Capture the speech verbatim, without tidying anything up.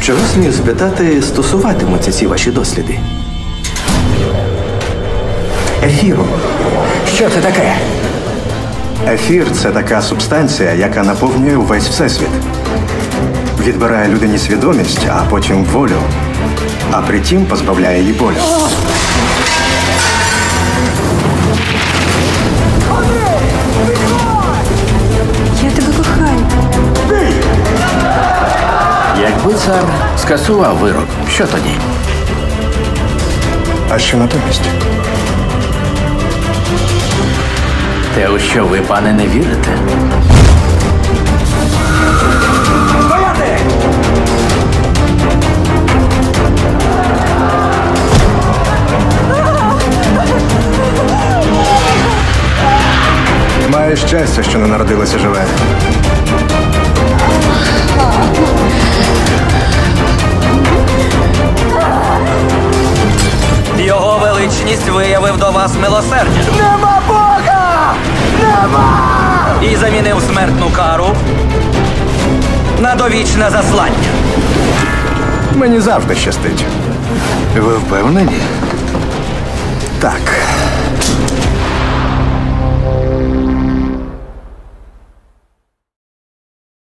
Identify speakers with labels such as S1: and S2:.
S1: Чого, смію спитати, стосуватимуться ці ваші досліди? Ефіру.
S2: Що це таке?
S3: Ефір – це така субстанція, яка наповнює увесь всесвіт. Відбирає людині свідомість, а потім волю. А притім позбавляє її болю.
S4: Я тебе кохаю.
S2: Якби цар скасував вирок, що тоді?
S3: А що натомість?
S2: Те, у що ви, пане, не вірите? Стояти!
S3: Маєш щастя, що не народилася живе.
S5: Його величність виявив до вас милосердя.
S2: Нема Бога! Нема!
S5: І замінив смертну кару на довічне заслання.
S3: Мені завжди щастить.
S2: Ви впевнені?
S3: Так.